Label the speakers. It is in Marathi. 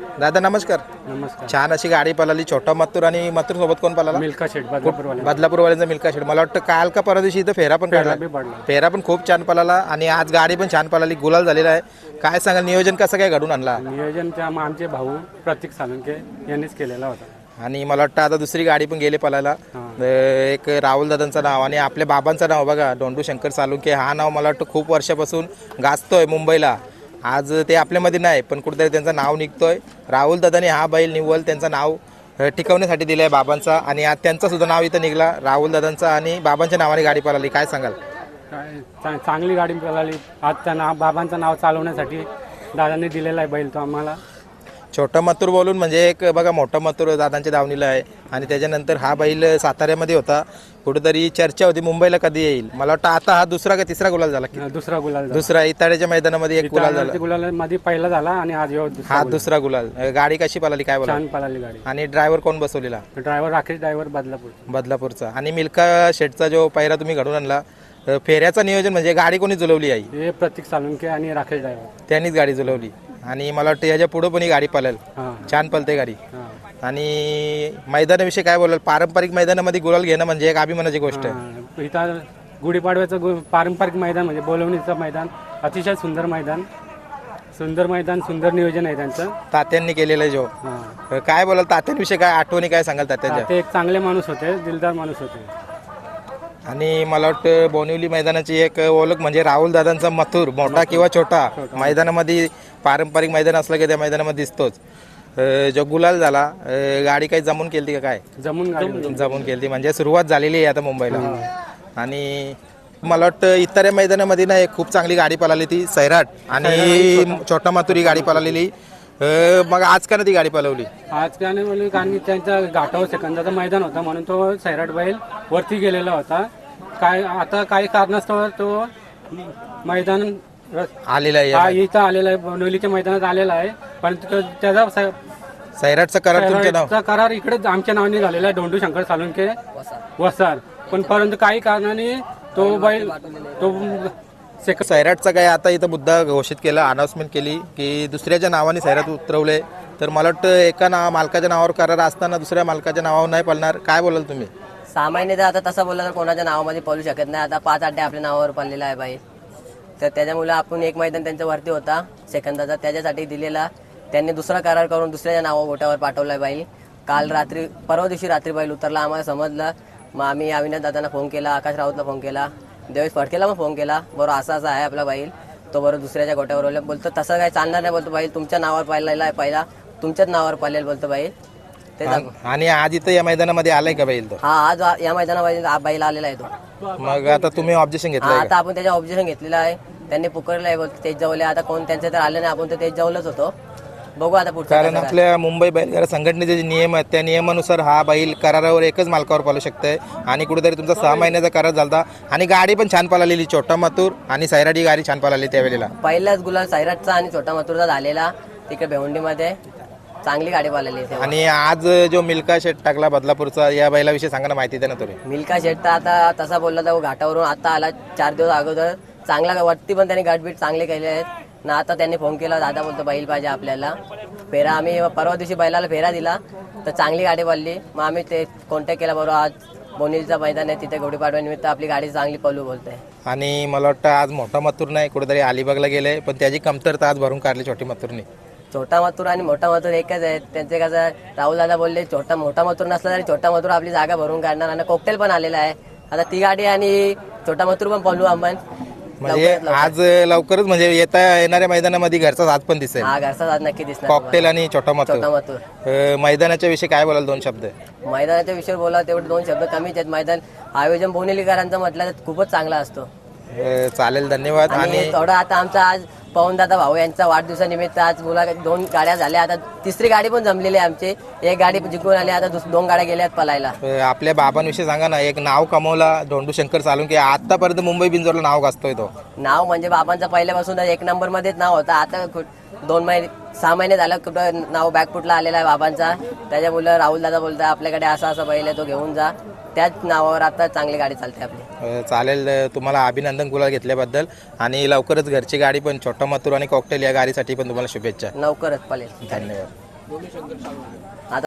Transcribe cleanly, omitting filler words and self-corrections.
Speaker 1: दादा नमस्कार.
Speaker 2: नमस्कार.
Speaker 1: छान अशी गाडी पळाली, छोटा मथुर आणि मथुर सोबत कोण पळाला?
Speaker 2: मिल्का शेट बदलापूरवाले.
Speaker 1: बदलापूरवाल्यांचा मिल्का शेट. मला वाटतं काल का परवा दिवशी इथं फेरा पण काढला. फेरा पण खूप छान पळाला आणि आज गाडी पण छान पळाली, गुलाल झालेला आहे. काय सांगाल, नियोजन कसं काय घडून आणला?
Speaker 2: नियोजन त्या आमचे भाऊ प्रतीक सालुंके यांनीच केलेला होता.
Speaker 1: आणि मला वाटतं आता दुसरी गाडी पण गेली पळायला. एक राहुल दादांचं नाव आणि आपल्या बाबांचं नाव बघा, डोंडू शंकर सालुंके. हा नाव मला वाटतं खूप वर्षापासून गाजतोय मुंबईला. आज ते आपल्यामध्ये नाही पण कुठेतरी त्यांचं नाव निघतोय. राहुल दादाने हा बैल निव्वल त्यांचं नाव टिकवण्यासाठी दिलं आहे बाबांचा, आणि आज त्यांचं सुद्धा नाव इथं निघला राहुल दादांचा, आणि बाबांच्या नावाने गाडी पळाली. काय सांगाल?
Speaker 2: चांगली गाडी पळाली. आज त्या बाबांचं नाव चालवण्यासाठी दादांनी दिलेला आहे बैल तो आम्हाला.
Speaker 1: छोटा मथुर बोलून म्हणजे एक बघा, मोठा मथुर दादांच्या दावणीला आहे, आणि त्याच्यानंतर हा बैल साताऱ्यामध्ये होता. कुठेतरी चर्चा होती मुंबईला कधी येईल. मला वाटतं आता हा दुसरा का तिसरा गुलाल झाला? दुसरा इताड्याच्या मैदानामध्ये एक गुलाल झाला.
Speaker 2: गुलालामध्ये पहिला झाला आणि आज
Speaker 1: हा दुसरा गुलाल. गाडी कशी पळाली काय बोला?
Speaker 2: छान पळाली गाडी.
Speaker 1: आणि ड्रायव्हर कोण बसवलेला?
Speaker 2: ड्रायव्हर राकेश ड्रायव्हर
Speaker 1: बदलापूरचा. आणि मिल्का शेटचा जो पहिरा तुम्ही घडून आणला, फेऱ्याचं नियोजन म्हणजे गाडी कोणी जुलवली आहे?
Speaker 2: हे प्रतीक सालुंके आणि राकेश ड्रायव्हर
Speaker 1: त्यांनीच गाडी जुलवली. आणि मला वाटतं याच्या पुढे पण ही गाडी पळेल. छान पळते गाडी. आणि मैदानाविषयी काय बोलाल? पारंपरिक मैदानामध्ये गुलाल घेणं म्हणजे एक अभिमानाची गोष्ट आहे.
Speaker 2: इथं गुढीपाडव्याचं पारंपरिक मैदान म्हणजे बोलवणीचं मैदान, अतिशय सुंदर मैदान, सुंदर नियोजन आहे त्यांचं.
Speaker 1: तात्यांनी केलेलं जो काय बोलाल तात्यांविषयी, काय आठवणी काय सांगाल तात्यांच्या?
Speaker 2: ते एक चांगले माणूस होते, दिलदार माणूस होते.
Speaker 1: आणि मला वाटतं बोनिवली मैदानाची एक ओळख म्हणजे राहुल दादांचा मथुर, मोठा किंवा छोटा, मैदानामध्ये पारंपरिक मैदान असलं की त्या मैदानामध्ये दिसतोच. जो गुलाल झाला, गाडी काही जमून केली का काय? जमून केली म्हणजे सुरुवात झालेली आहे आता मुंबईला. आणि मला वाटतं इतर मैदानामध्ये ना एक खूप चांगली गाडी पळाली, ती सैराट आणि छोटा मथुर ही गाडी पळालेली. मग आज का ती गाडी पळवली?
Speaker 2: आज का नाही बोलली, कारण की त्यांच्या घाटावर सेकंदाचं मैदान होता म्हणून तो सैराट बैल वरती गेलेला होता. काय आता काही कारणास्तव तो मैदान
Speaker 1: आलेला आहे,
Speaker 2: इथं आलेला आहे, बोनिवलीच्या मैदानात आलेला आहे. पण त्याचा
Speaker 1: सैराटचा
Speaker 2: करार इकडे आमच्या नावाने झालेला आहे, डोंडू शंकर सालुंके वसार. पण परंतु काही कारणाने तो बैल
Speaker 1: सैराटचा काय आता इथं मुद्दा घोषित केला, अनाउन्समेंट केली की दुसऱ्याच्या नावाने सैराट उतरवले. तर मला वाटतं एका मालकाच्या नावावर करार असताना दुसऱ्या मालकाच्या नावावर नाही पळणार. काय बोलाल तुम्ही?
Speaker 3: सामान्य तर आता तसं बोलला तर कोणाच्या नावामध्ये पळू शकत नाही. आता 5 अड्डे आपल्या नावावर पडलेला आहे बाई. तर त्याच्यामुळे आपण एक मैदान त्यांच्या वरती होता सेकंदाचा, त्याच्यासाठी दिलेला. त्यांनी दुसरा करार करून दुसऱ्याच्या नावावर गोट्यावर पाठवला आहे बैल. काल रात्री, परवा दिवशी रात्री बैल उतरला, आम्हाला समजलं. मग आम्ही अविनाश दादांना फोन केला, आकाश राऊतला फोन केला, देवेश फडकेला पण फोन केला. बरोबर असा आहे आपला बैल, तो बरोबर दुसऱ्याच्या गोट्यावर बोलतो तसं काय चालणार नाही. बोलतो बैल तुमच्या नावावर पाहिलेला आहे, पहिला तुमच्याच नावावर पाहिलेल बोलतो बैल.
Speaker 1: आणि आज इथं या मैदानामध्ये आलाय का बैल? तो
Speaker 3: हा आज या मैदानामध्ये बैल आलेला आहे तो.
Speaker 1: मग आता तुम्ही ऑब्जेक्शन घेतलं?
Speaker 3: आता आपण त्याच्या ऑब्जेक्शन घेतलेलं आहे. त्यांनी पुकारलं आहे, बोलतो तेज जवळ. आता कोण त्यांचे तर आले नाही, आपण तर तेज जवळच होतो. बघू आता पुढचं.
Speaker 1: कारण आपल्या मुंबई बैलगाडा संघटनेचे जे नियम आहेत त्या नियमानुसार हा बैल करारावर एकच मालकावर पालू शकतंय. आणि कुठेतरी तुमचा 6 महिन्याचा करार झाला, आणि गाडी पण छान पळालेली. छोटा मथुर आणि सैराट ही गाडी छान पळाली त्यावेळेला.
Speaker 3: पहिलाच गुलाल सैराटचा आणि छोटा मथुरचा झालेला तिकडे भेवंडीमध्ये. चांगली गाडी पळालेली.
Speaker 1: आणि आज जो मिल्का शेट टाकला बदलापूरचा, या बैलाविषयी सांगा ना, माहिती द्या ना थोडी.
Speaker 3: मिल्का शेट तर आता तसा बोलला तर घाटावरून आता आला 4 दिवस अगोदर. चांगला वरती पण त्यांनी गाठबीट चांगले केले आहेत ना. आता त्यांनी फोन केला, दादा बोलतो बैल पाहिजे आपल्याला. फेरा आम्ही परवा दिवशी बैलाला फेरा दिला तर चांगली गाडी पडली. मग आम्ही ते कॉन्टॅक्ट केला, बरोबर आज बोनिवलीचं मैदान आहे, तिथे गुढीपाडव्यानिमित्त आपली गाडी चांगली पळू बोलते.
Speaker 1: आणि मला वाटतं आज मोठा मथुर नाही, कुठेतरी अलिबागला गेले, पण त्याची कमतरता आज भरून काढली छोटी मथुरने.
Speaker 3: छोटा मथुर आणि मोठा मथुर एकच आहेत. त्यांचे कसं राहुल दादा बोलले, मोठा मथुर नसला तरी छोटा मथुर आपली जागा भरून काढणार. आणि कॉकटेल पण आलेला आहे. आता ती गाडी आणि छोटा मथुर पण पळू आपण.
Speaker 1: म्हणजे आज लवकरच म्हणजे येणाऱ्या मैदानामध्ये घरचा साथ पण दिसेल.
Speaker 3: हा, घरचा साथ नक्की दिसणार.
Speaker 1: कॉकटेल आणि छोटा मथुर. मैदानाच्या विषयी काय बोलाल? 2 शब्द.
Speaker 3: मैदानाच्या विषयावर बोला तेवढे 2 शब्द कमीच आहेत. मैदान आयोजन बोनिवलीकरांचं म्हटलं तर खूपच चांगला असतो.
Speaker 1: चालेल, धन्यवाद. आणि
Speaker 3: थोडं आता आमचा आज पवनदादा भाऊ यांचा वाढदिवसानिमित्त आज मुला 2 गाड्या झाल्या. आता तिसरी गाडी पण जमलेली आहे आमची. एक गाडी जिंकून आली, आता 2 गाड्या गेल्यात पळायला.
Speaker 1: आपल्या बाबांविषयी सांगा ना, एक नाव कमवला डोंडू शंकर सालुंके, आतापर्यंत मुंबई बिंजोरला नाव गाजतोय तो.
Speaker 3: नाव म्हणजे बाबांचा पहिल्यापासून 1 नंबर मध्येच नाव होता. आता 6 महिने झालं कुठं नाव बॅकफुटला आलेला आहे बाबांचा. त्याच्यामुळे राहुल दादा बोलतात आपल्याकडे असा बैल आहे, तो घेऊन जा. त्याच नावावर आता चांगली गाडी चालते आपली.
Speaker 1: चालेल, तुम्हाला अभिनंदन गुलाल घेतल्याबद्दल. आणि लवकरच घरची गाडी पण छोटा मथुर आणि कॉकटेल या गाडीसाठी पण तुम्हाला शुभेच्छा.
Speaker 3: लवकरच पळेल.
Speaker 1: धन्यवाद.
Speaker 3: आता